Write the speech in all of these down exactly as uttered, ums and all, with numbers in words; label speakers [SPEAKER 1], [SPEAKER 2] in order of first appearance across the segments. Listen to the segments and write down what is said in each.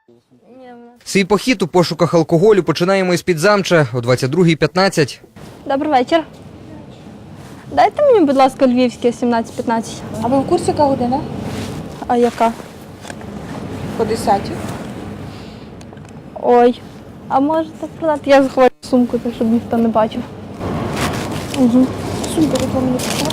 [SPEAKER 1] Свій похід у пошуках алкоголю починаємо із Підзамча о двадцять другій п'ятнадцять.
[SPEAKER 2] Добрий вечір. Дайте мені, будь ласка, львівське сімнадцять п'ятнадцять.
[SPEAKER 3] А ви в курсі, яка година?
[SPEAKER 2] А яка?
[SPEAKER 3] По десятій.
[SPEAKER 2] Ой. А можете продати? Я заховаю сумку, так щоб ніхто не бачив. Угу.
[SPEAKER 3] Сумку ви мені писали?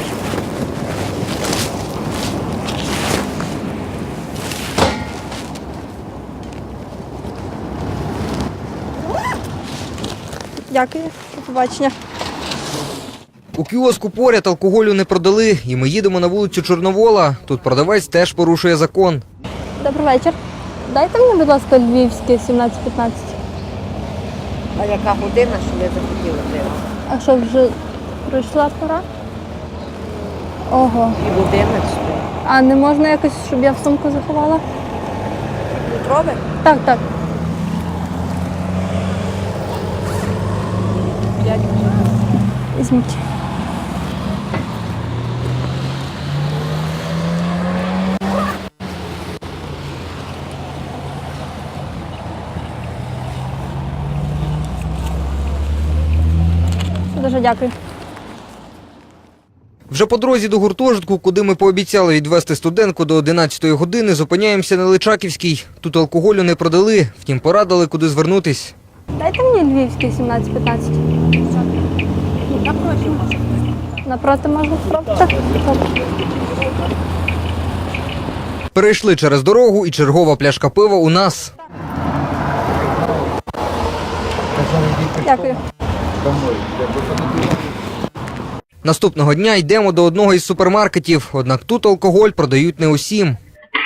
[SPEAKER 2] Дякую. До побачення.
[SPEAKER 1] У кіоску поряд алкоголю не продали, і ми їдемо на вулицю Чорновола. Тут продавець теж порушує закон.
[SPEAKER 2] Добрий вечір. Дайте мені, будь ласка, львівське сімнадцять п'ятнадцять.
[SPEAKER 4] А яка година, що я захотіла пива?
[SPEAKER 2] А що, вже пройшла пора? Ого.
[SPEAKER 4] Пів одинадцятої.
[SPEAKER 2] А не можна якось, щоб я в сумку заховала?
[SPEAKER 4] Літрове?
[SPEAKER 2] Так, так.
[SPEAKER 4] П'ять.
[SPEAKER 2] Візьміть. Дуже дякую.
[SPEAKER 1] Вже по дорозі до гуртожитку, куди ми пообіцяли відвезти студентку до одинадцятої години, зупиняємося на Личаківській. Тут алкоголю не продали, втім порадили, куди звернутись.
[SPEAKER 2] Дайте мені львівське сімнадцять п'ятнадцять.
[SPEAKER 3] Напроти можна.
[SPEAKER 2] Напроти можна спробувати?
[SPEAKER 1] Перейшли через дорогу і чергова пляшка пива у нас.
[SPEAKER 2] Дякую.
[SPEAKER 1] Наступного дня йдемо до одного із супермаркетів, однак тут алкоголь продають не усім.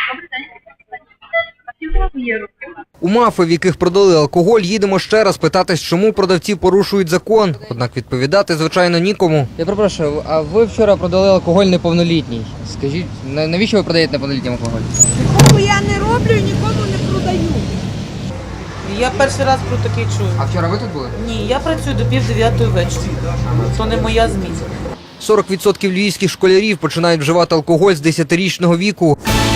[SPEAKER 1] У мафи, в яких продали алкоголь, їдемо ще раз питатись, чому продавці порушують закон. Однак відповідати, звичайно, нікому.
[SPEAKER 5] Я перепрошую, а ви вчора продали алкоголь неповнолітній. Скажіть, навіщо ви продаєте неповнолітнім алкоголь?
[SPEAKER 4] Нікому я не роблю і нікому не продаю.
[SPEAKER 6] Я перший раз про таке чую.
[SPEAKER 5] А вчора ви тут були?
[SPEAKER 6] Ні, я працюю до пів дев'ятої вечора. То не моя зміна.
[SPEAKER 1] сорок відсотків львівських школярів починають вживати алкоголь з десятирічного віку.